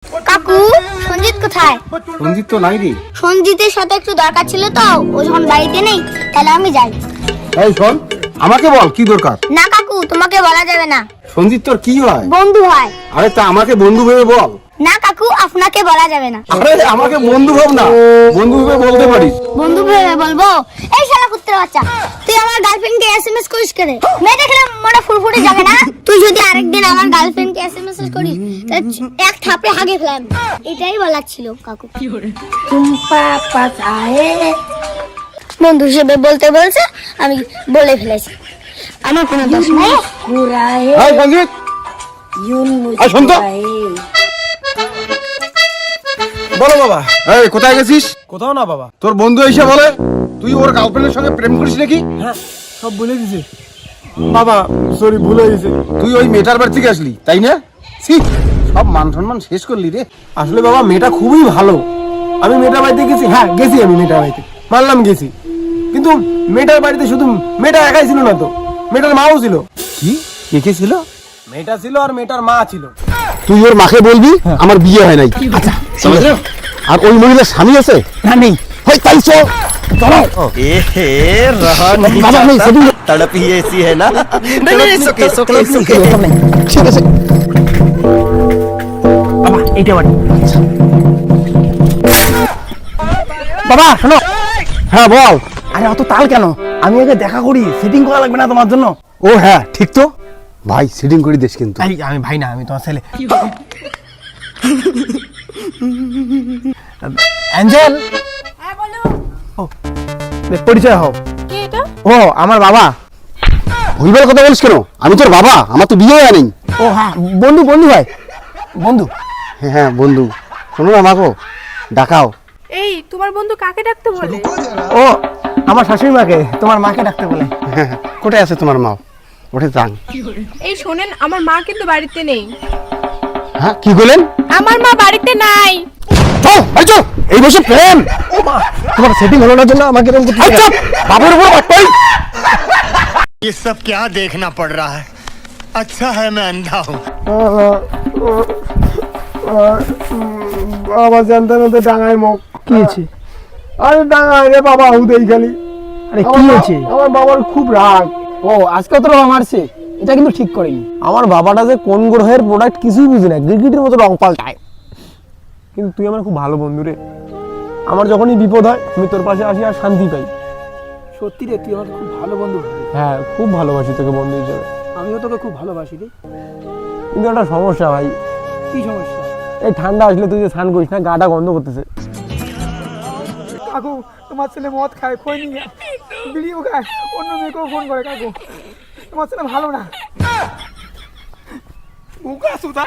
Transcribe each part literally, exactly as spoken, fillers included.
কাকু সঞ্জিত কোথায়? সঞ্জিত তো নাই রে। সঞ্জিতের সাথে একটু দরকার ছিল তো, ও যখন বাড়িতে নেই তাহলে আমি যাই। এই শোন, আমাকে বল কি দরকার। না কাকু, তোমাকে বলা যাবে না। সঞ্জিত তোর কি হয়? বন্ধু হয়। আরে তা আমাকে বন্ধু ভেবে বল। না কাকু, আপনাকে বলা যাবে না। আরে আমাকে বন্ধু ভাব না, বন্ধু ভেবে বলতে পারিস। বন্ধু ভেবে বলবো? এই শালা কুত্তের বাচ্চা, তুই আমার গার্লফ্রেন্ডকে এসএমএস করিস কেন? মেয়ে দেখলে মনে ফুরফুরে যাবে না? তুই যদি আরেকদিন আমার গার্লফ্রেন্ডকে এসএমএস করিস তাহলে এক থাপড়ে হাগে ফেলাম। এটাই বলার ছিল কাকু। চুম্পা পাতায়ে বন্ধু হিসেবে বলতে বলছে, আমি বলে ফেলেছি। আমার কোনো দোষ নাই। এই সঞ্জিত, এই শোন তো। বলো বাবা। এই কোথায় গেছিস? কোথাও না বাবা। তোর বন্ধু এসে বলে তুই ওর গার্লফ্রেন্ডের সঙ্গে প্রেম করিস নাকি? হ্যাঁ, সব বলে দিছে বাবা। সরি, ভুল হয়ে গেছে। তুই ওই মেয়েটার বাড়ি থেকে আসলি তাই না? ছি, সব মান সম্মান শেষ করলি রে। আসলে বাবা মেয়েটা খুবই ভালো। আমি মেয়েটার বাড়িতে গেছি, হ্যাঁ গেছি, আমি মেয়েটার বাড়িতে মানলাম গেছি, কিন্তু মেয়েটার বাড়িতে শুধু মেয়েটা একাই ছিল না তো, মেয়েটার মাও ছিল। কি কে কে ছিল? মেয়েটা ছিল আর মেয়েটার মা ছিল। তুই ওর মাকে বলবি আমার বিয়ে হয় নাই। আচ্ছা, আর ওই মহিলার স্বামী আছে না? নেই। হয় তাই চল চলো। ए रहा नहीं बाबा, नहीं, जाता, सभी- तड़प ही ऐसी है ना। नहीं नहीं it's okay, it's okay, it's okay। ঠিক আছে। বাবা এইটা বাড়ি। বাবা শোনো। হ্যাঁ বল। আরে অত তাল কেন? আমি আগে দেখা করি, সেটিং করা লাগবে না তোমার জন্য? ও হ্যাঁ ঠিক তো ভাই, সিটিং করে দিস কিন্তু। এই আমি ভাই না, আমি তোমার ছেলে। অ্যাঞ্জেল, হ্যাঁ বলো। ও পরিচয় হও। কে এটা? ও আমার বাবা। ভুলবার কথা বলিস কেন? আমি তোর বাবা, আমার তো বিয়ে হয় নাই। ও হ্যাঁ, বন্ধু বন্ধু ভাই, বন্ধু। হ্যাঁ হ্যাঁ বন্ধু, শোনো না আমাকে ডাকাও। এই তোমার বন্ধু কাকে ডাকতে বলে? ও আমার শাশুড়ি মাকে, তোমার মাকে ডাকতে বলে। হ্যাঁ হ্যাঁ, কোথায় আছে তোমার মা? ওঠে যান। এই শোনেন, আমার মা কিন্তু বাড়িতে নেই। হ্যাঁ কি বলেন? আমার মা বাড়িতে নাই। চল ভাই চল, এই বসে প্রেম। ও মা, তোমার সেটিং হলো না জন্য আমাকে এরকম করতে আচ্ছা বাবুর উপর বাটপাই। ये सब क्या देखना पड़ रहा है? अच्छा है मैं अंधा हूँ। বাবা জানতে না ডাঙায় মুখ কি হয়েছে? আরে ডাঙায় রে বাবা, হুদেই খালি। আরে কি হয়েছে? আমার বাবার খুব রাগ। ও আজকে তো রং মারছে, এটা কিন্তু ঠিক করেনি। আমার বাবাটা যে কোন গ্রহের প্রোডাক্ট কিছুই বুঝি না, গিরগিটির মতো রং পাল্টায়। কিন্তু তুই আমার খুব ভালো বন্ধু রে। আমার যখনই বিপদ হয় আমি তোর পাশে আসি আর শান্তি পাই। সত্যি রে, তুই আমার খুব ভালো বন্ধু ভাই। হ্যাঁ, খুব ভালোবাসি তোকে বন্ধু হিসেবে। আমিও তোকে খুব ভালোবাসি রে। কিন্তু একটা সমস্যা ভাই। কি সমস্যা? এই ঠান্ডা আসলে তুই যে স্নান করিস না, গাটা গন্ধ করতেছে। কাকু, তোমার ছেলে মদ খায়, খই নিয়ে বিড়িও খায়, অন্য মেয়েকেও ফোন করে। কাকু, তোমার ছেলে ভালো না। উকা সুতা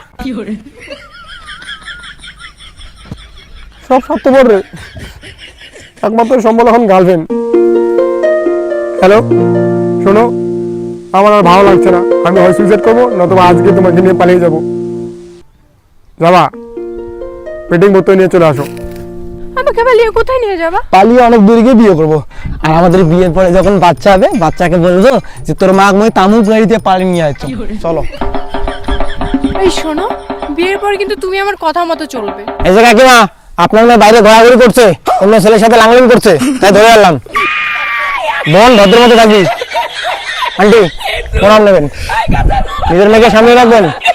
সব স্বার্থপর রে, একমাত্র সম্বল এখন গার্লফ্রেন্ড। হ্যালো শোনো, আমার আর ভালো লাগছে না, আমি হয় সুইসাইড করবো, নতুবা আজকে তোমাকে নিয়ে পালিয়ে যাবো। যাবা পেটিং বোতল নিয়ে চলে আসো। আমাকে পালিয়ে কোথায় নিয়ে যাবা? পালিয়ে অনেক দূরে গিয়ে বিয়ে করবো, আর আমাদের বিয়ের পরে যখন বাচ্চা হবে, বাচ্চাকে বলবো যে তোর মা মই তামুক গাড়িতে পালিয়ে নিয়ে আসছো। চলো। এই শোনো, বিয়ের পর কিন্তু তুমি আমার কথা মতো চলবে। এই যে কাকিমা, আপনার মেয়ে বাইরে ঘোরাঘুরি করছে, অন্য ছেলের সাথে লাংলিং করছে, তাই ধরে আনলাম। বোন ভদ্র মতো থাকি। আন্টি প্রণাম নেবেন, নিজের মেয়েকে সামনে রাখবেন।